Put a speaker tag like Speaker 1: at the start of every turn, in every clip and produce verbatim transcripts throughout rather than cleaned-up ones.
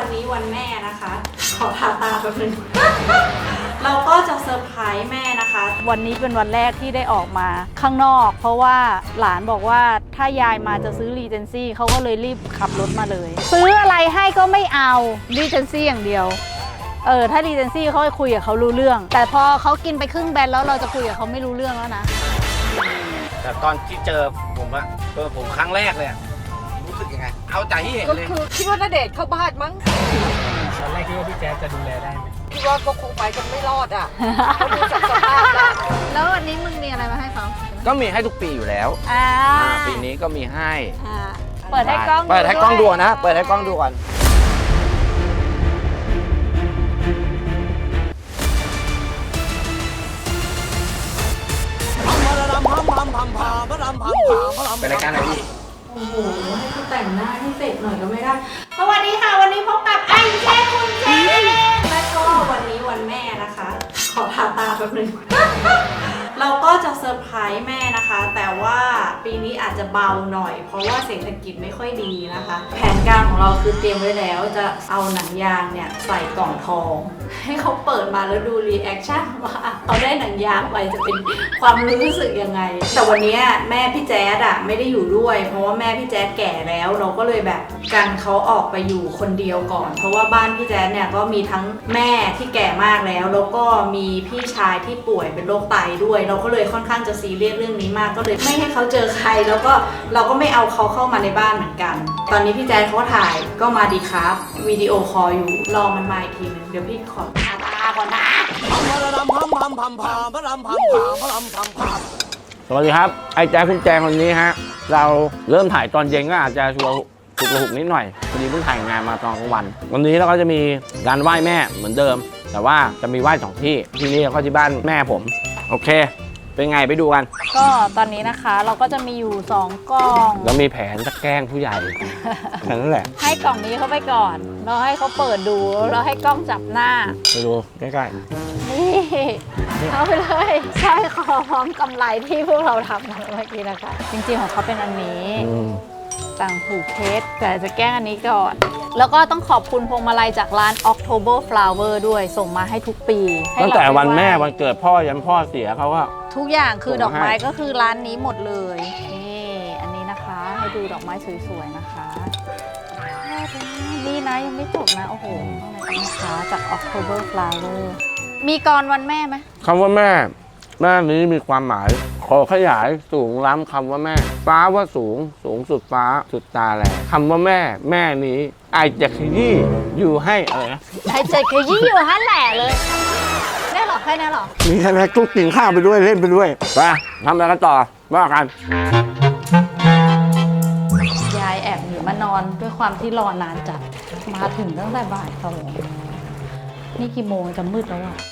Speaker 1: วันนี้วันแม่นะคะขอทาตาแป๊บนึง เราก็จะเซอร์ไพรส์แม่นะคะวันนี้เป็นวันแรกที่ได้ออกมาข้างนอกเพราะว่าหลานบอกว่าถ้ายายมาจะซื้อรีเจนซี่เขาก็เลยรีบขับรถมาเลยซื้ออะไรให้ก็ไม่เอารีเจนซี่อย่างเดียวเออถ้ารีเจนซี่เขาคุยกับเขารู้เรื่องแต่พอเขากินไปครึ่งแบนแล้วเราจะคุยกับเขาไม่รู้เรื่องแล้วนะ
Speaker 2: แต่ตอนที่เจอผมอะเจอผมครั้งแรกเลยรู้สึกยังไงเอาใจที่เห็นเลย
Speaker 3: ก็คือคิดว่าณเดชน์เข้าบ้านมั้ง
Speaker 4: ตอนแรกคิดว่าพี่แจ๊สจะดูแลได้ไหม
Speaker 3: คิดว่าก็คงไปกันไม่รอดอ่ะเขาดูจากสภาพแล้ว
Speaker 1: แล้ววันนี้มึงมีอะไรมาให้เขา
Speaker 2: ก็มีให้ทุกปีอยู่แล้ว
Speaker 1: อ่า
Speaker 2: ปีนี้ก็มีให้
Speaker 1: เปิดให้กล้อง
Speaker 2: เปิดให้กล้องดูนะเปิดให้กล้องดูก่อนเป็นรายการอะไรพี่
Speaker 1: โอ้โหให้เขาแต่งหน้าให้เสร็จหน่อยก็ไม่ได้สวัสดีค่ะวันนี้พบกับไอ้แจ๊คุณเจและก็วันนี้วันแม่นะคะขอทาตาแป๊บนึง เราก็จะเซอร์ไพรส์แม่นะคะแต่ว่าปีนี้อาจจะเบาหน่อยเพราะว่าเศรษฐกิจไม่ค่อยดีนะคะแผนการของเราคือเตรียมไว้แล้วจะเอาหนังยางเนี่ยใส่กล่องทองให้เขาเปิดมาแล้วดูรีแอคชั่นว่าเขาได้หนังยางไปจะเป็นความรู้สึกยังไงแต่วันนี้แม่พี่แจ๊ดอะไม่ได้อยู่ด้วยเพราะว่าแม่พี่แจ๊ดแก่แล้วเราก็เลยแบบกันเขาออกไปอยู่คนเดียวก่อนเพราะว่าบ้านพี่แจ๊ดเนี่ยก็มีทั้งแม่ที่แก่มากแล้วแล้วก็มีพี่ชายที่ป่วยเป็นโรคไตด้วยเราก็เลยค่อนข้างจะซีเรียสเรื่องนี้มากก็เลยไม่ให้เขาเจอใครแล้วก็เราก็ไม่เอาเขาเข้ามาในบ้านเหมือนกันตอนนี้พี่แจ๊ดเขาถ่ายก็มาดีครับวิดีโอคอลอยู่รอมันมาอีกทีนึงเดี๋ยวพี่ขอตาตาก่อนนะ
Speaker 2: สวัสดีครับไอ้แจ๊คคุณแจงคนนี้ฮะเราเริ่มถ่ายตอนเย็นก็อาจจะชัวร์ถูกระหุกนิดหน่อยพอดีเพิ่งถ่ายงานมาตอนกลางวันวันนี้เราก็จะมีการไหว้แม่เหมือนเดิมแต่ว่าจะมีไหว้สองที่ที่นี่แล้วก็ที่บ้านแม่ผมโอเคเป็นไงไปดูกัน
Speaker 1: ก็ตอนนี้นะคะเราก็จะมีอยู่สองกล่อง
Speaker 2: แล้วมีแผนจะแกล้งผู้ใหญ่แค่นั้นแหละ
Speaker 1: ให้กล่องนี้เขาไปก่อนเราให้เขาเปิดดูเราให้กล้องจับหน้า
Speaker 2: ไปดูใกล้
Speaker 1: ๆนี่เอาไปเลยใช่คอพร้อมกำไรที่พวกเราทำเมื่อกี้นะคะจริงๆของเขาเป็นอันนี้ต่างหูเพชรแต่จะแกล้งอันนี้ก่อนแล้วก็ต้องขอบคุณพวงมาลัยจากร้าน October Flower ด้วยส่งมาให้ทุกปี
Speaker 2: ตั้งแต่วันแม่วันเกิดพ่อยันพ่อเสียเขาก็
Speaker 1: ทุกอย่างคือดอกไม้ก็คือร้านนี้หมดเลยนี่อันนี้นะคะให้ดูดอกไม้สวยๆนะคะนี่นะยังไม่จบนะโอ้โหข้างในนะคะจาก October Flower มีกรวันแม่ไหม
Speaker 2: คำว่าแม่แม่นี้มีความหมายขอขยายสูงล้ำคำว่าแม่ฟ้าว่าสูงสูงสุดฟ้าสุดตาแลคำว่าแม่แม่นี้ไอจะขยี้อยู่ให้อะไรนะ
Speaker 1: ไอจะขยี้อยู่ให้แหล่เลยแน่หรอแค่นี้หรอ
Speaker 2: มีแค่นั้นทุกกินข้าวไปด้วยเล่นไปด้วยไปทำอะไรกันต่อว่ากัน
Speaker 1: ยายแอบหนีมานอนด้วยความที่รอนานจัดมาถึงตั้งแต่บ่ายสองนี่กี่โมงจะมืดแล้วอ่ะ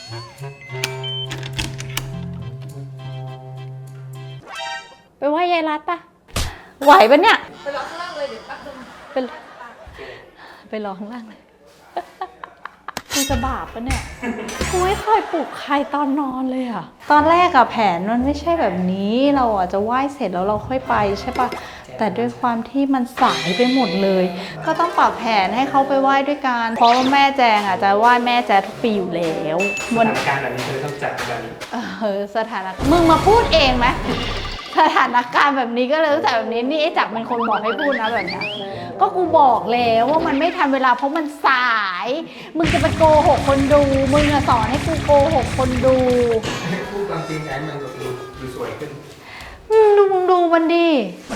Speaker 1: ไปไหว้ยายรัดปะไหวปะเนี่ย
Speaker 3: ไปรอข้างล่างเลยเดี๋ยวแป๊บนึง
Speaker 1: ไปไปรอข้างล่างเลยคุณจะบาปปะเนี่ยกูไม่เคยปลุกใครตอนนอนเลยอะตอนแรกอะแผนมันไม่ใช่แบบนี้เราอะจะไหว้เสร็จแล้วเราค่อยไปใช่ปะแต่ด้วยความที่มันสายไปหมดเลยก็ต้องปรับแผนให้เขาไปไหว้ด้วยกันเพราะว่าแม่แจงอะจะไหว้แม่แจงทุกปีอยู่แล้ว
Speaker 4: สถานการณ์แบบนี้เธอต้องจัดแบบนี้
Speaker 1: เออสถานการณ์มึงมาพูดเองไหมสถานการณ์แบบนี้ก็เลยแต่แบบนี้นี่ไอ้จับเป็นคนบอกให้พูดนะแบบนี้ก็กูบอกแล้วว่ามันไม่ทันเวลาเพราะมันสายมึงจะไปโกหกคนดูมึงอะสอนให้กูโกหกคนดู
Speaker 4: พูดความจริงแอนมันดูดูสวยขึ้น
Speaker 1: ดูมึงดูมันดิ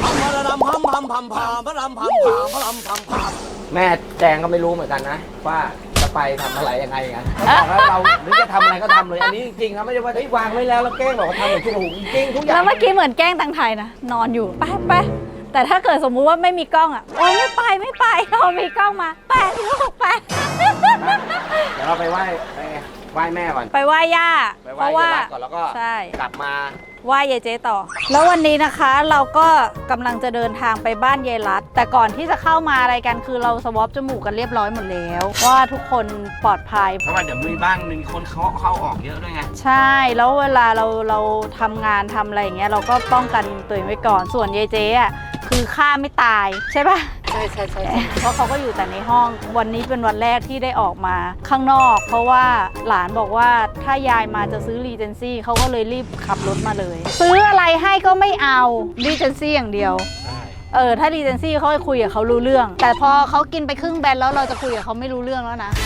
Speaker 2: แม่แจงก็ไม่รู้เหมือนกันนะว่าจะไปทำอะไรยังไงกันบอกแล้วเราหรือจะทำอะไรก็ทำเลยอันนี้จริงๆครับไม่ใช่ว่าเฮ้ยวางไว้แล้วแล้วแกล้งบอกว่าทำเหมือนทุกหูจริงๆทุกอย่าง
Speaker 1: แล้วเมื่อกี้เหมือนแกล้งตังไทยนะนอนอยู่ไปไปแต่ถ้าเกิดสมมุติว่าไม่มีกล้องอ่ะโอ้ไม่ไปไม่ไปเรามีกล้องมาแปดลูกแปด
Speaker 2: เดี๋ยวเราไปไหว้ไปไหว้แม่ก่อน
Speaker 1: ไปไหว้ย่า
Speaker 2: เพราะว่าก่อนแล้วก็กลับมา
Speaker 1: ไหว้ยายเจ๊ต่อแล้ววันนี้นะคะเราก็กำลังจะเดินทางไปบ้านยายรัตแต่ก่อนที่จะเข้ามาอะไรกันคือเราสวอปจมูกกันเรียบร้อยหมดแล้วว่าทุกคนปลอดภัย
Speaker 2: เพราะว่าเดี๋ยวมีบ้านมีคนเขาเข้าออกเยอะด้วยไง
Speaker 1: ใช่แล้วเวลาเราเราทำงานทำอะไรอย่างเงี้ยเราก็ป้องกันตัวเองไว้ก่อนส่วนยายเจ๊อ่ะคือฆ่าไม่ตายใช่ปะ
Speaker 3: แต่ช่ใช่ใช่
Speaker 1: เพราะเขาก็อยู่แต่ในห้องวันนี้เป็นวันแรกที่ได้ออกมาข้างนอก เพราะว่าหลานบอกว่าถ้ายายมาจะซื้อรีเจนซี่เขาก็เลยรีบขับรถมาเลย ซื้ออะไรให้ก็ไม่เอารีเจนซี่อย่างเดียวเออถ้ารีเจนซี่เขาจะคุยกับเขารู้เรื่อง แต่พอเขากินไปครึ่งแบนแล้วเราจะคุยกับเขาไม่รู้เรื่องแล้วนะ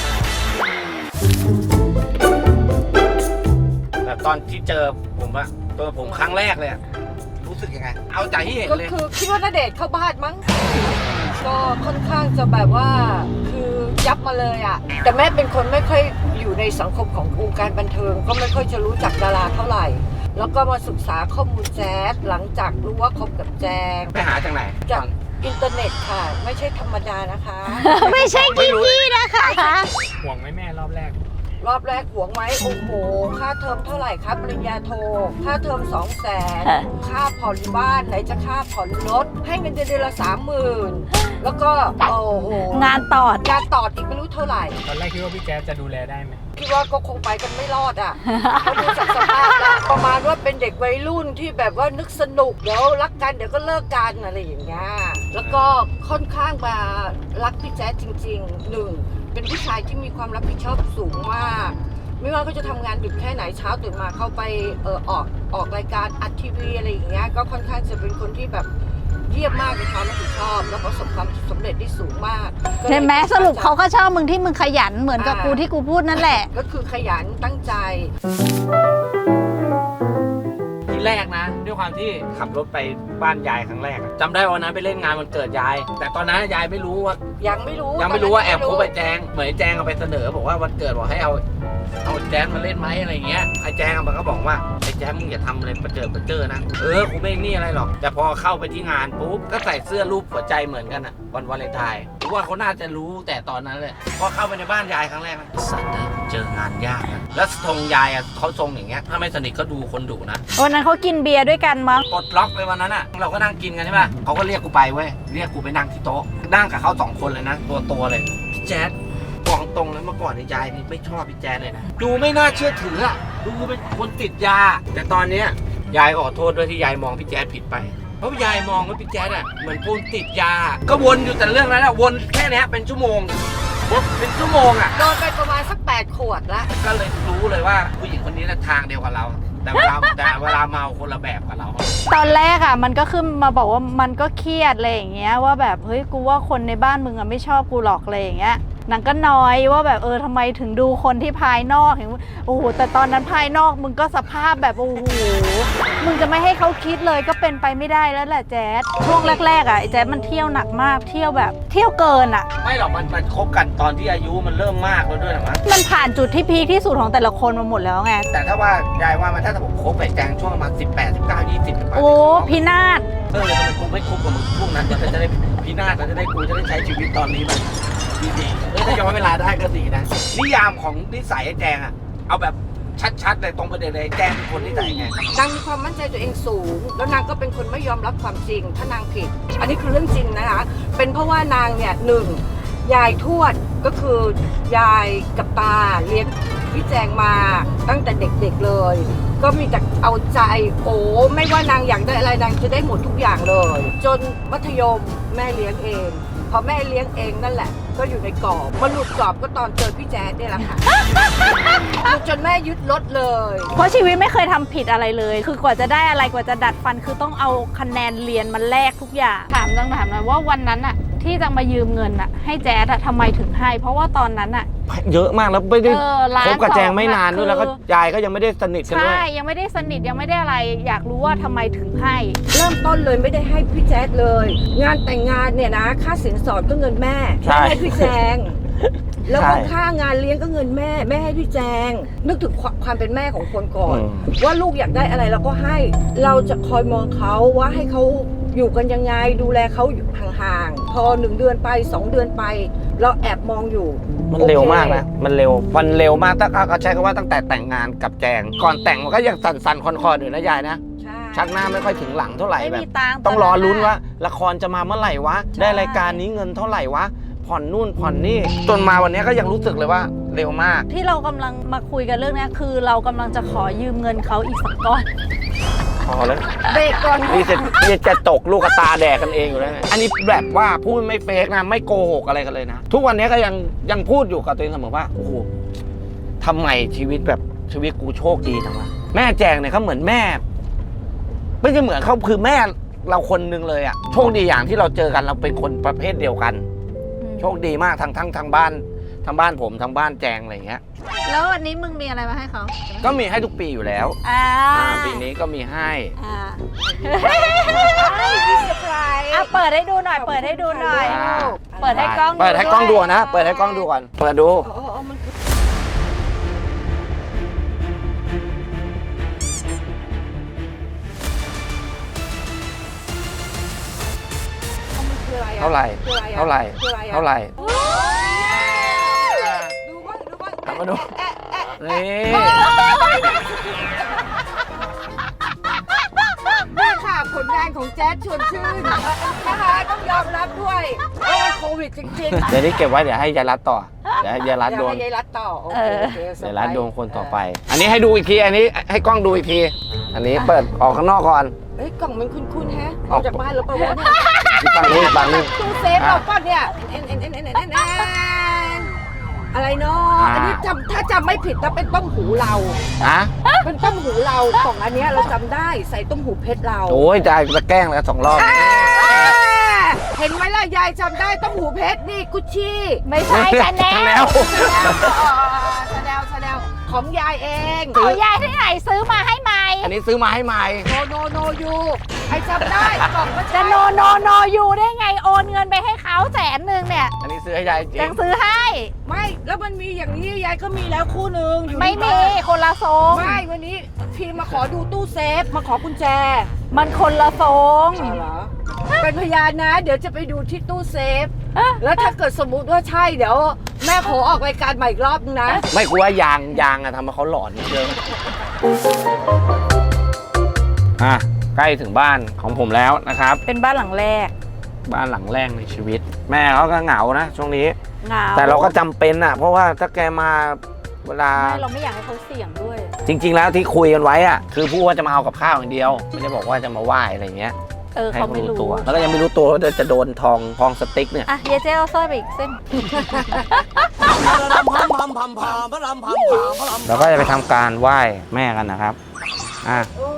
Speaker 2: แต่ตอนที่เจอผมอะเจอผมครั้งแรกเลยอะรู้สึกยังไงเอาใจที่เห็น
Speaker 3: ก็
Speaker 2: เลย
Speaker 3: คือคิดว่าณเดชน์เข้าบ้านมั้งก็ค่อนข้างจะแบบว่าคือยับมาเลยอ่ะแต่แม่เป็นคนไม่ค่อยอยู่ในสังคมของวงการบันเทิงก็ไม่ค่อยจะรู้จักดาราเท่าไหร่ แล้วก็มาศึกษาข้อมูลแจ๊สหลังจากรู้ว่าคบกับแจง
Speaker 2: ไปหาจากไหน
Speaker 3: จากอินเทอร์เน็ตค่ะ ไม่ใช่ธรรมดานะคะ
Speaker 1: ไม่ใช่กี้กี้นะคะ
Speaker 4: ห่วงไหมแม่รอบแรก
Speaker 3: รอบแรกหวงไหมโอ้โหค่าเทอมเท่าไหร่ครับปริญญาโทค่าเทอมสองแสนค่าผ่อนบ้านไหนจะค่าผ่อนรถให้เงินเดือนละสามหมื่นแล้วก็โอ้โห
Speaker 1: งานตอด
Speaker 3: การตอดอีกไม่รู้เท่าไหร่
Speaker 4: ตอนแรกคิดว่าพี่แจ๊สจะดูแลได้ไหม
Speaker 3: คิดว่าก็คงไปกันไม่รอดอ่ะเขาดูจากสภาพแล้วประมาณว่าเป็นเด็กวัยรุ่นที่แบบว่านึกสนุกเดี๋ยวรักกันเดี๋ยวก็เลิกกันอะไรอย่างเงี้ยแล้วก็ค่อนข้างมารักพี่แจ๊สจริงๆหนึ่งเป็นผู้ชายที่มีความรับผิดชอบสูงมากไม่ว่าเขาจะทำงานดึกแค่ไหนเช้าตื่นมาเข้าไปเออออกออกรายการอัดทีวีอะไรอย่างเงี้ยก็ค่อนข้างจะเป็นคนที่แบบเยี่ยมมากในความรับผิดชอบแล้วประสบความสำเร็จได้สูงมาก
Speaker 1: เห็นไหมสรุปเขาก็ชอบมึงที่มึงขยันเหมือนกับกูที่กูพูดนั่นแหละ
Speaker 3: ก็คือขยันตั้งใจ
Speaker 2: ทีแรกนะด้วยความที่ขับรถไปบ้านยายครั้งแรกอะจำได้วันนั้นไปเล่นงานวันเกิดยาย แต่ตอนนั้นยายไม่รู้ว่า
Speaker 3: ยังไม่รู้
Speaker 2: ยังไม่รู้ว่าแอบคบไปแจงเหมือนไอ้แจงเอาไปเสนอบอกว่าวันเกิดบอกให้เอาเอาแจงมาเล่นไหมอะไรเงี้ยไอ้แจงมันก็บอกว่าไอ้แจงมึงอย่าทำอะไรประเจิดประเจิดนะเออกูไม่นี่อะไรหรอกแต่พอเข้าไปที่งานปุ๊บก็ใส่เสื้อรูปหัวใจเหมือนกันอะวันวาเลนไทน์รู้ว่าเขาน่าจะรู้แต่ตอนนั้นเลยพอเข้าไปในบ้านยายครั้งแรกนะสัตว์เลยเจองานยากนะแล้วทรงยายอะเขาทรงอย่างเงี้ยถ้าไม่สนิทก็ดูคนดุนะ
Speaker 1: วันนั้นเขากินเบียร์ด้วยกันมั้ง
Speaker 2: ปลดล็อกไปวันนั้นอ่ะเราก็นั่งกินกันใช่ป่ะเขาก็เรียกกูไปเว้ยเรียกกูไปนั่งที่โต๊ะนั่งกับเขาสองคนเลยนะตัวตัวเลยพี่แจ๊ดบอกตรงเลยเมื่อก่อนในยายนี่ไม่ชอบพี่แจ๊ดเลยนะดูไม่น่าเชื่อถืออ่ะดูเป็นคนติดยาแต่ตอนเนี้ยยายขอโทษด้วยที่ยายมองพี่แจ๊ดผิดไปเพราะยายมองว่าพี่แจ๊ดอ่ะเหมือนคนติดยาก็วนอยู่แต่เรื่องนั้นอ่ะวนแค่เนี้ยเป็นชั่วโมงเป็นชั่วโมงอ่ะ
Speaker 3: โดนไปประมาณสักแปดขวดละ
Speaker 2: ก็เลยรู้เลยว่าผู้หญิงคนนี้น่ะทางเดียวกับเรา แต่เวลาแต่เวลาเมาคนละแบบกับเรา
Speaker 1: ตอนแรกอ่ะมันก็ขึ้นมาบอกว่ามันก็เครียดอะไรอย่างเงี้ยว่าแบบเฮ้ยกูว่าคนในบ้านมึงอ่ะไม่ชอบกูหรอกอะไรอย่างเงี้ยนางก็น้อยว่าแบบเออทำไมถึงดูคนที่ภายนอกเห็นโอ้โหแต่ตอนนั้นภายนอกมึงก็สภาพแบบโอ้โหมึงจะไม่ให้เขาคิดเลยก็เป็นไปไม่ได้แล้วแหละแจ๊ดช่วงแรกๆอ่ะไอ้แจ๊ดมันเที่ยวหนักมากเที่ยวแบบเที่ยวเกินอ่ะ
Speaker 2: ไม่หรอกมันมันคบกันตอนที่อายุมันเริ่มมากแล้วด้วยหรอมั้ง
Speaker 1: มันผ่านจุดที่พีคที่สุดของแต่ละคนมาหมดแล้วไง
Speaker 2: แต่ถ้าว่ายายว่ามันถ้าผมคบไปแจงช่วงประมาณสิบแปดสิบเก้ายี่สิบ
Speaker 1: โอ้พินาศ
Speaker 2: เออทำไมกูไม่คบกับมึงพวกนั้นจะได้พินาศจะได้กูจะได้ใช้ชีวิตตอนนี้แบบดีๆเออถ้าย้อนเวลาได้ก็ดีนะนิยามของนิสัยไอ้แจงอะเอาแบบชัดๆเลยตรงประเด็นเลยแจงเป็นคนนิสัยไง
Speaker 3: นางมีความมั่นใจตัวเองสูง แล้วนางก็เป็นคนไม่ยอมรับความจริง ถ้านางผิด อันนี้คือเรื่องจริงนะคะเป็นเพราะว่านางเนี่ยหนึ่งยายทวดก็คือยายกับตาเลี้ยงพี่แจงมาตั้งแต่เด็กๆเลย ก็มีแต่เอาใจโอ้ไม่ว่านางอยากได้อะไรนางจะได้หมดทุกอย่างเลย จนมัธยมแม่เลี้ยงเองพอแม่เลี้ยงเองนั่นแหละก็อยู่ในกรอบมาหลุดกรอบก็ตอนเจอพี่แจ๊ดนี่แหละค่ะ จนแม่ยึดรถเลย
Speaker 1: เพราะชีวิตไม่เคยทำผิดอะไรเลย คือกว่าจะได้อะไรกว่าจะดัดฟันคือต้องเอาคะแนนเรียนมาแลกทุกอย่างถามต้องถามหน่อยว่าวันนั้นอะที่จะมายืมเงินอะให้แจ๊ดอะทำไมถึงให้ เพราะว่าตอนนั้นอะ
Speaker 2: เยอะมากแล้วไม่ได้
Speaker 1: เออร้าน
Speaker 2: คบกับแจงไม่นาน
Speaker 1: สองอะ
Speaker 2: ด้วยแล้วก็
Speaker 1: คือ
Speaker 2: ยายก็ยังไม่ได้สนิทกันด้ว
Speaker 1: ใช่
Speaker 2: ย
Speaker 1: ยังไม่ได้สนิทยังไม่ได้อะไร อยากรู้ว่าทำไมถึงให้
Speaker 3: เริ่มต้นเลยไม่ได้ให้พี่แจ๊ดเลย งานแต่งงานเนี่ยนะค่าสินสอดก็เงินแม่
Speaker 2: ใช่
Speaker 3: แม่ให้พี่แจงแล้วก็
Speaker 2: ใช่
Speaker 3: ค่างานเลี้ยงก็เงินแม่แม่ให้พี่แจงนึกถึงความความเป็นแม่ของคนก่อน
Speaker 2: อืม
Speaker 3: ว่าลูกอยากได้อะไรเราก็ให้ เราจะคอยมองเขาว่าให้เขาอยู่กันยังไงดูแลเขาอยู่ห่างๆพอหนึ่งเดือนไปสองเดือนไป เราแอบมองอยู่
Speaker 2: มันเร็ว
Speaker 3: โอค
Speaker 2: มากนะ มันเร็ว มันเร็วมากถ้าเขาใช้คำว่าตั้งแต่แต่งงานกับแจง ก่อนแต่งมันก็ยังสั่นๆคอนๆอยู่นะยายนะ
Speaker 3: ใช่
Speaker 2: ชักหน้าไม่ค่อยถึงหลังเท่าไหร่
Speaker 1: ไม่
Speaker 2: แบบ
Speaker 1: มีตังค์
Speaker 2: ต้องรอลุ้น
Speaker 1: ตะ
Speaker 2: ว่าละครจะมาเมื่อไหร่วะ ได้รายการนี้เงินเท่าไหร่วะ ผ่อนนู่นผ่อนนี่ จนมาวันนี้ก็ยังรู้สึกเลยว่าเร็วมาก
Speaker 1: ที่เรากำลังมาคุยกันเรื่องนี้คือเรากำลังจะขอยืมเงินเขาอีกสักก้อน
Speaker 2: พอแล้ว
Speaker 3: เบรกก่อน
Speaker 2: นี่จะนี่จะตกลูกกระตาแดกกันเองอยู่แล้วเนี่ยอันนี้แบบว่าพูดไม่เฟกนะไม่โกหกอะไรกันเลยนะทุกวันนี้ก็ยังยังพูดอยู่กับตัวเองเสมอว่าโอ้โหทำไมชีวิตแบบชีวิตกูโชคดีจังวะแม่แจงเนี่ยเขาเหมือนแม่ไม่ใช่เหมือนเขาคือแม่เราคนนึงเลยอะโชคดีอย่างที่เราเจอกันเราเป็นคนประเภทเดียวกัน โชคดีมากทั้งทั้งทางบ้านทางบ้านผมทางบ้านแจงอะไรอย่างเงี้ย
Speaker 1: แล้ววันนี้มึงมีอะไรมาให้เขา
Speaker 2: ก็มีให้ทุกปีอยู่แล้ว
Speaker 1: อ่า
Speaker 2: อ่าปีนี้ก็มีให้
Speaker 1: อ่า
Speaker 3: มีเซอร์ไพรส์
Speaker 1: อ่ะเปิดให้ดูหน่อย เปิดให้ดูหน่อย
Speaker 2: อ่า
Speaker 1: เปิดให้กล้องดู
Speaker 2: เปิดให้กล้องดู
Speaker 1: ด้วย
Speaker 2: นะ เปิดให้กล้องดูก่อน เปิดดู
Speaker 3: อ๋ออ๋อมันคืออ๋อมันคืออะไรอะ
Speaker 2: เท่าไหร่
Speaker 3: คืออะไรอะ
Speaker 2: เท่าไหร่
Speaker 3: คืออะไรอะ
Speaker 2: เท่าไหร่
Speaker 3: ดูบ้างดูบ้าง
Speaker 2: เอามาดู
Speaker 3: แอะแอะ
Speaker 2: นี่
Speaker 3: นี่ค่ะผลงานของแจ๊ดชวนชื่นนะคะต้องยอมรับด้วยว่ามันโควิดจริงๆ
Speaker 2: เดี๋ยวนี้เก็บไว้เดี๋ยวให้ยายรัดต่อ เดี๋ยวให้ยายรัดโดน
Speaker 3: เดี๋ยวให้ยายรัดต่อโอเคโอเคเซอ
Speaker 2: เดี๋ยว
Speaker 3: ร์ไพ
Speaker 2: รั
Speaker 3: ร
Speaker 2: ด
Speaker 3: ส์
Speaker 2: โดนคนต่อไป อันนี้ให้ดูอีกที อันนี้ให้กล้องดูอีกที อันนี้เปิดออกข้างนอกก่อน
Speaker 3: เอ้ยกล่องมันคุ้นๆแฮะออกจากบ้านแล้วปะวะเนี่ย
Speaker 2: อีกฝั่งนี้อีกฝั่งนึง
Speaker 3: ตู้เซฟเราป่ะเนี่ยเอ็นเอ็นเอ็นเอ็นเอ็นเอ็นเอ็นอะไรเนาะ
Speaker 2: อ่า
Speaker 3: อันนี้จำถ้าจำไม่ผิดนะเป็นต้มหูเรา
Speaker 2: อะ
Speaker 3: เป็นต้มหูเรากล่องอันเนี้ยเราจำได้ใส่ต้มหูเพชรเรา
Speaker 2: โอ้ยจะจะแกล้งแล้วสองรอบ
Speaker 3: อ่าเห็นไหมล่ะยายจำได้ต้มหูเพชรนี่กุชชี่
Speaker 1: ไม่ใช่ชาแน
Speaker 2: แล้
Speaker 1: ล
Speaker 2: ว
Speaker 3: ชาแนลชาแนลของยายเอง
Speaker 1: เอายายที่ไหนซื้อมาให้ใหม่
Speaker 2: อันนี้ซื้อมาให้ใหม่
Speaker 3: โนโนโนยูไอจำได้กล่องก็
Speaker 1: จะ
Speaker 3: ใช่
Speaker 1: โนโนโนอยู่ได้ไงโอนเงินไปให้เขาแสนหนึ่งเนี่ย
Speaker 2: อันนี้ซื้อให้ยายจริ
Speaker 1: ยัง งซื้อให้
Speaker 3: ไม่แล้วมันมีอย่างนี้ยายก็มีแล้วคู่หนึ่งอยู่
Speaker 1: ไม่
Speaker 3: ที่
Speaker 1: มี
Speaker 3: บ้าน
Speaker 1: คนละทรง
Speaker 3: ไม่วันนี้พีมาขอดูตู้เซฟมาขอกุญแจ
Speaker 1: มันคนละทรง
Speaker 3: อ๋อเหรอเป็นพยานนะ เดี๋ยวจะไปดูที่ตู้เซฟ แล้วถ้าเกิดสมมุติว่าใช่เดี๋ยวแม่ขอออกรายการใหม่อีกรอบนึงนะ
Speaker 2: ไม่กลัวยางยางอะทำให้เขาหลอนเยอะอ่ะใกล้ถึงบ้านของผมแล้วนะครับ
Speaker 1: เป็นบ้านหลังแรก
Speaker 2: บ้านหลังแรกในชีวิต แม่เขาก็เหงานะช่วงนี้
Speaker 1: เหงา
Speaker 2: แต่เราก็จำเป็นอ่ะ เพราะว่าถ้าแกมาเวลา
Speaker 1: ไม่เราไม่อยากให้เขาเสี่ยงด้วย
Speaker 2: จริง ๆ แล้วที่คุยกันไว้อ่ะคือพูดว่าจะมาเอากับข้าวอย่างเดียว ไม่ได้บอกว่าจะมาไหว้อะไรเงี้ย
Speaker 1: เออ
Speaker 2: ให้
Speaker 1: เขา
Speaker 2: เขา
Speaker 1: ไม่
Speaker 2: รู้
Speaker 1: รู้
Speaker 2: ตัว แล้วก็ยังไม่รู้ตัวว่าจะโดนทองทองสติ๊กเนี่ย
Speaker 1: อ่ะเยเจ๊เอาสร้อยไปอีกเส้น
Speaker 2: เราก็จะไปทำการไหว้แม่กันนะครับอ่ะ
Speaker 3: โอ้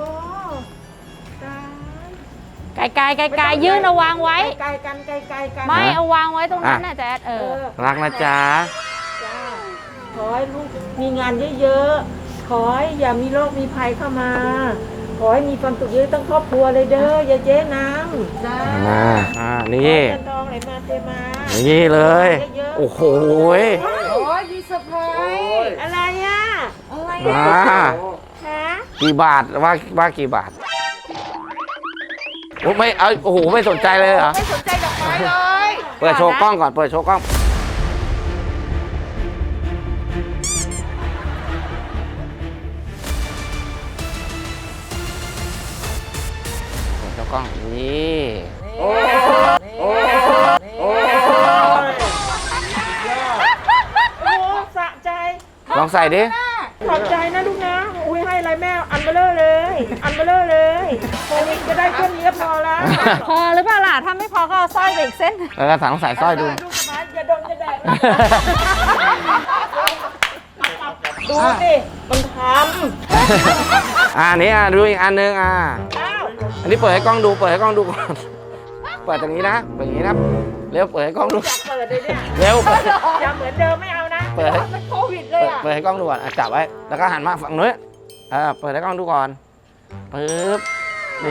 Speaker 1: ไกลไกลไกลไกลยื่นเอาวางไว้
Speaker 3: ไกลกันไกลไกลกัน
Speaker 1: ไม่เอาวางไว้ตรงนั้นน่ะแจ๊ดเอ
Speaker 3: เอ
Speaker 1: อ
Speaker 3: อ
Speaker 2: รักนะจ๊ะ
Speaker 3: จ้าขอให้ลูกมีงานเยอะๆขอให้อย่ามีโรคมีภัยเข้ามา ขอให้มีความสุขเยอะตั้งครอบครัวเลยเด้อยายเจ๊น้ำจ้า
Speaker 2: อ่าอ่านี่
Speaker 3: เงินทองไหลมาเทมา
Speaker 2: นี่เลย โอ้โหย
Speaker 3: โอ้ยมีเซอร์ไพรส์อะไรอ่ะอะไร
Speaker 2: อ่า
Speaker 3: อ่ะฮะ
Speaker 2: กี่บาทว่าว่ากี่บาทโอ้ไม่เอาโอ้โหไม่สนใจเลยเหรอ
Speaker 3: ไม่สนใจดอกไม้เลย
Speaker 2: เปิดโชว์กล้องก่อนเปิดโชว์กล้องเปิดโชว์กล้องนี่
Speaker 3: โอ้โอ้โอ้
Speaker 5: โอ้สะใจ
Speaker 2: ลองใส่ดิ
Speaker 5: ขอบใจนะลูกนะ อุ้ยให้อะไรแม่อันเบลเลอร์เลย อันเบลเลอร์เลยโควิดจะได้แค่นี้ก็พอแล้ว
Speaker 1: พอหรือเปล่าล่ะ ถ้าไม่พอก็เอาสร้อยไปอีกเส้น
Speaker 2: แล้วก็สั่งใส่สร้อยดู
Speaker 5: ลูกสะพ้ายอย่าดมอย่าแดกนะดูสิมันท
Speaker 2: อ่านี่อ่ะดูอีกอันนึงอ่ะ
Speaker 5: ำอ้าว
Speaker 2: อันนี้เปิดให้กล้องดูเปิดให้กล้องดูก่อนเปิดตรงนี้นะเปิดอย่างนี้นะเร็วเปิดให้กล้องดู
Speaker 5: อยากเปิดเลยเนี่ย
Speaker 2: เร็วเปิด
Speaker 5: อย่าเหมือนเดิมไม่เอานะ
Speaker 2: เปิดให้
Speaker 3: มันโควิดเลยอ่ะ
Speaker 2: เปิดให้กล้องดูก่อนอ่ะจับไว้แล้วก็หันมาฝั่งนู้นอ่าเปิดให้กล้องดูก่อนปึ๊บนี่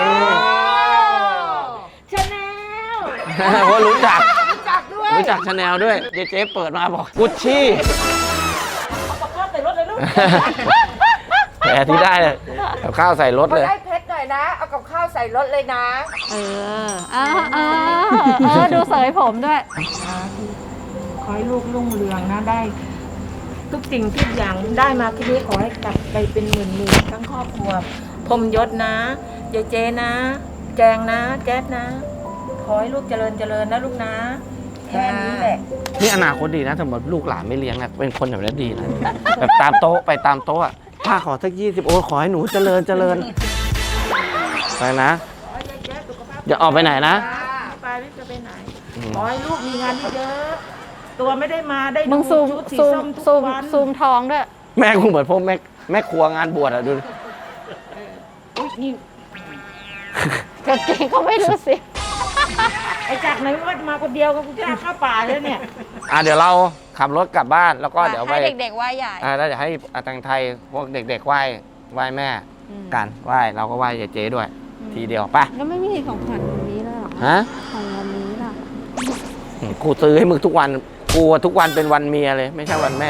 Speaker 5: ชาแนล
Speaker 2: เพราะรู้จัก
Speaker 3: รู้จักด้วย
Speaker 2: รู้จักชาแนลด้วยเจ๊เจ๊เปิดมาบอกกุชชี่
Speaker 5: เอาปากกาใส่รถเลยลูก
Speaker 2: แต่ที่ได้เลยกับข้าวใส่รถ
Speaker 3: มา
Speaker 2: เลย
Speaker 3: ได้เพชรหน่อยนะ เอากับข้าวใส่รถเลยนะ
Speaker 1: เออเออเออเออดูเสยผมด้วย
Speaker 5: ขอให้ลูกรุ่งเรืองนะได้ ทุกสิ่งทุกอย่างได้มาที่นี้ขอให้กลับไปเป็นหมื่นหมื่นทั้งครอบครัวพรหมยศนะยายเจนะ แจงนะ แจ๊ดนะ ขอให้ลูกเจริญเจริญนะลูกนะแค่นี้แหละ
Speaker 2: นี่อนาคตดีนะสมมติลูกหลานไม่เลี้ยงอะเป็นคนแบบนี้ดีนะ แบบตามโต๊ะไปตามโต๊ะอะป้าขอสักยี่สิบโอ้ขอให้หนูเจริญเจริญไปนะอย่าออกไปไหนนะ
Speaker 5: ไปไม่จะไปไหนขอให้ลูกมีงานเยอะตัวไม่ได้มาได้
Speaker 6: มึงซูม
Speaker 5: ชุดสี
Speaker 6: ซูม
Speaker 5: ส้มทุก
Speaker 6: ซูม
Speaker 5: วัน
Speaker 6: ซูมท้องด้วย
Speaker 2: แม่กูเหมือนพวกแม่แม่ครัวงานบวชอะดู
Speaker 5: อุ๊ยนี่
Speaker 6: กางเกงก็ไม่รู้สิ
Speaker 5: ไอ้จากไหนวัดมาคนเดียวก็กูจะเข้าป่าเลยเนี่ย
Speaker 2: อ่ะเดี๋ยวเราขับรถกลับบ้านแล้วก็เดี๋ยวไป
Speaker 6: ให้เด็กๆไหว้ใหญ่
Speaker 2: อ่าแล้วเดี๋ยวให้อาตังไทยพวกเด็กๆไหว้ไหว้แม่
Speaker 6: อืม
Speaker 2: กันไหว้เราก็ไหว้ยายเจ๊ด้วย ทีเดียวไป
Speaker 6: แล้วไม่มีของขวัญวันนี้แล้วหรอ
Speaker 2: ฮะ
Speaker 6: ของวันนี้ล่ะ
Speaker 2: กูซื้อให้มึงทุกวันกูอะทุกวันเป็นวันเมียเลย ไม่ใช่วันแม่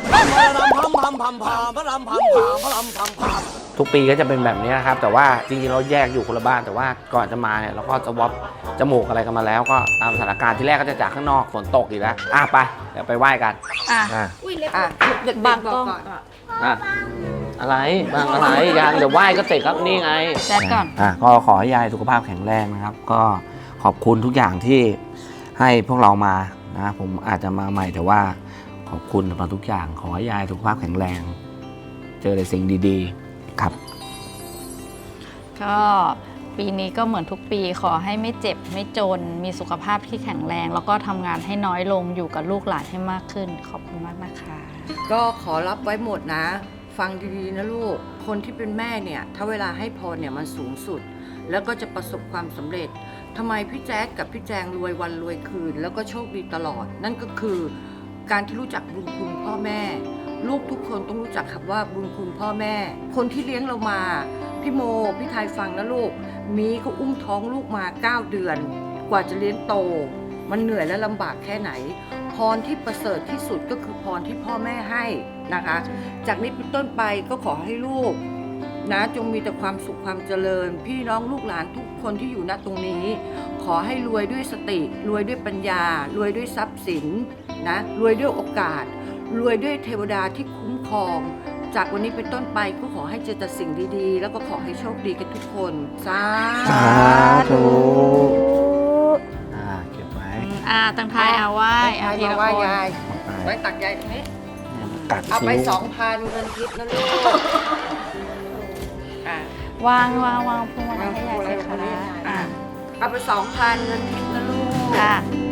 Speaker 2: ทุกปีก็จะเป็นแบบนี้นะครับ แต่ว่าจริงๆเราแยกอยู่คนละบ้านแต่ว่าก่อนจะมาเนี่ยเราก็จะวอปจมูกอะไรกันมาแล้วก็ตามสถานการณ์ที่แรกก็จะจากข้างนอกฝนตกอีกแล้วอ่ะไปเดี๋ยวไปไหว้กัน
Speaker 6: อ่ะ
Speaker 2: อ่ะ
Speaker 3: อ่ะเด็กๆ
Speaker 6: บาง
Speaker 3: บอก
Speaker 6: กล้อง
Speaker 3: ก่อน
Speaker 2: อ่ะอะไรบางอะไรยังเดี๋ยวไหว้ก็เสร็จครับนี่ไง
Speaker 6: แจ๊ดก่อน
Speaker 2: อ่ะก็ขอให้ยายสุขภาพแข็งแรงนะครับ ก็ขอบคุณทุกอย่างที่ให้พวกเรามานะผมอาจจะมาใหม่แต่ว่าขอบคุณสำหรับทุกอย่าง ขอให้ยายสุขภาพแข็งแรง เจอแต่สิ่งดีๆครับ
Speaker 6: ก็ปีนี้ก็เหมือนทุกปีขอให้ไม่เจ็บไม่จนมีสุขภาพที่แข็งแรง แล้วก็ทำงานให้น้อยลงอยู่กับลูกหลานให้มากขึ้น ขอบคุณมากนะคะ
Speaker 3: ก็ขอรับไว้หมดนะ ฟังดีๆนะลูก คนที่เป็นแม่เนี่ย ถ้าเวลาให้พรเนี่ยมันสูงสุด แล้วก็จะประสบความสำเร็จทำไมพี่แจ๊ดกับพี่แจงรวยวันรวยคืน แล้วก็โชคดีตลอด นั่นก็คือการที่รู้จักบุญคุณพ่อแม่ ลูกทุกคนต้องรู้จักคำว่าบุญคุณพ่อแม่ คนที่เลี้ยงเรามาพี่โมพี่ไทยฟังนะลูกมีเขาอุ้มท้องลูกมาเก้าเดือน กว่าจะเลี้ยงโต มันเหนื่อยและลำบากแค่ไหน พรที่ประเสริฐที่สุดก็คือพรที่พ่อแม่ให้นะคะ จากนี้เป็นต้นไปก็ขอให้ลูกนะจงมีแต่ความสุขความเจริญ พี่น้องลูกหลานทุกคนที่อยู่ณตรงนี้ ขอให้รวยด้วยสติ รวยด้วยปัญญา รวยด้วยทรัพย์สินนะรวยด้วยโอกาส รวยด้วยเทวดาที่คุ้มครอง จากวันนี้เป็นต้นไปก็ขอให้เจอแต่สิ่งดีๆ แล้วก็ขอให้โชคดีกันทุกคนสา
Speaker 2: สา
Speaker 3: ธุ
Speaker 2: ธุ อ่าเก็บไว้
Speaker 6: อ่าตั้งทายเอาไหว้
Speaker 3: ใคร
Speaker 6: เอาที
Speaker 3: มา
Speaker 6: ละ
Speaker 3: ไหว้
Speaker 6: คน
Speaker 3: ยาย
Speaker 2: ไป
Speaker 3: ไว้ตักยายตรงนี้
Speaker 2: กัด
Speaker 3: เอาไป
Speaker 2: คิ้ว
Speaker 3: สองพันเงินทิพย์นะลูกอ่ะ
Speaker 6: วางวางวางพวงมาลัยให้ยายสิคะ
Speaker 3: อ่ะเอาไปสองพันเงินทิพย์นะลูก
Speaker 6: ค่ะ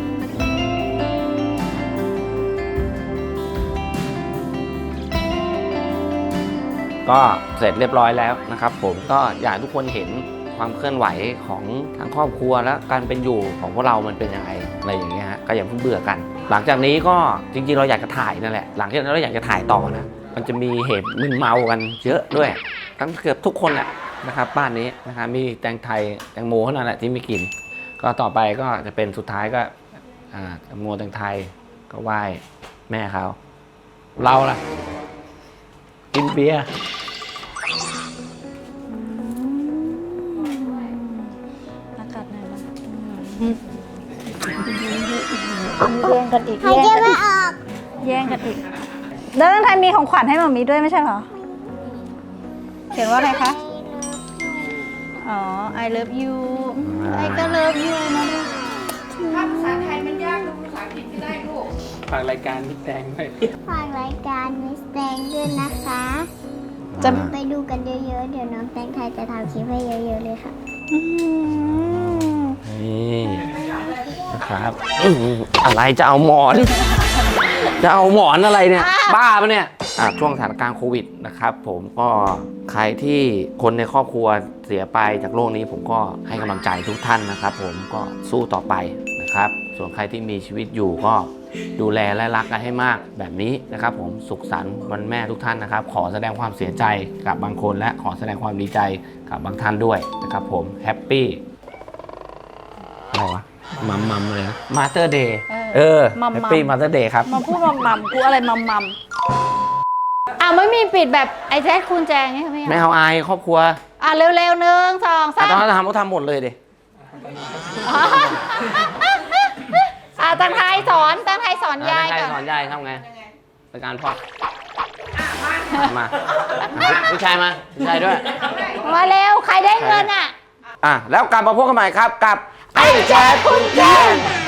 Speaker 2: ก็เสร็จเรียบร้อยแล้วนะครับผมก็อยากให้ทุกคนเห็นความเคลื่อนไหวของทั้งครอบครัวและการเป็นอยู่ของพวกเรามันเป็นยังไงอะไรอย่างเงี้ยฮะก็อย่าเพิ่งเบื่อกัน หลังจากนี้ก็จริงๆเราอยากจะถ่ายนั่นแหละหลังจากนั้นเราอยากจะถ่ายต่อนะมันจะมีเหตุมึนเมากันเยอะด้วยทั้งเกือบทุกคนแหละนะครับบ้านนี้นะครับมีแตงไทยแตงโมเท่านั้นแหละที่ไม่กิน ก็ต่อไปก็จะเป็นสุดท้ายก็อ่าแตงโมแตงไทยก็ไหว้แม่เขาเราล่ะกินเบียร์
Speaker 6: อากาศไหนบ้าง
Speaker 7: แย่งกันอีกหายใจไม่ออก
Speaker 6: แย่งกันอีกแล้วตั้งทายมีของขวัญให้หมามีด้วยไม่ใช่เหรอ เขียนว่าอะไรคะ อ๋อ I love you ไอ้ก็ love you นะลูก
Speaker 3: ถ้าภาษาไทยมันยากลูกภาษาอังกฤษไม่ได้ลูก
Speaker 4: ฝากรายการพี่แตงด้วย
Speaker 7: ฝากรายการมิสแตงด้วยนะคะ
Speaker 6: จะ
Speaker 7: ไปดูกันเยอะๆ เดี๋ยวน้องแตงไทยจะทำคลิปให้เยอะๆเลยค่ะ
Speaker 6: อืม
Speaker 2: นี่นะครับอื้อหืออะไรจะเอาหมอน จะเอาหมอนอะไรเนี่ย บ้าปะเนี่ยอ่ะช่วงสถานการณ์โควิดนะครับผมก็ใครที่คนในครอบครัวเสียไปจากโรคนี้ผมก็ให้กำลังใจทุกท่านนะครับผมก็สู้ต่อไปนะครับ ส่วนใครที่มีชีวิตอยู่ก็ดูแลและรักกันให้มากแบบนี้นะครับผมสุขสันต์วันแม่ทุกท่านนะครับ ขอแสดงความเสียใจกับบางคนและขอแสดงความดีใจกับบางท่านด้วยนะครับผมแฮปปี้อะไรวะมัมมัมเลยนะมาเตอร์เดย์เออ
Speaker 6: มัม
Speaker 2: แฮป
Speaker 6: มั
Speaker 2: ปี้
Speaker 6: ม
Speaker 2: มาเตอร์เดย์ครับ
Speaker 6: มาพูดมัมมัมกูอะไรมัมมัมอ่ะไม่มีปิดแบบไอ้แจ๊คคุณแจงไงไม่
Speaker 2: ไม่
Speaker 6: เอา
Speaker 2: เอาอายครอบครัว
Speaker 6: อ่ะเร็วๆหนึ่งสองสา
Speaker 2: อ่ะ
Speaker 6: ม
Speaker 2: ตอนนั้นทำก็ทำหมดเลยดิ
Speaker 6: อ๋ออ่ะตั้งทายสอนตั้งทายสอนยาย
Speaker 2: ใคร
Speaker 6: ก่อน
Speaker 2: สอนยายทำไงในการพอดมาผู้ชายมาผู้ชายด้วย
Speaker 6: มาเร็วใครได้เงินอ่ะ
Speaker 2: อ่ะแล้วกลับมาพบกันใหม่ครับกับไอ้แจ๊คคุณแจ๊ค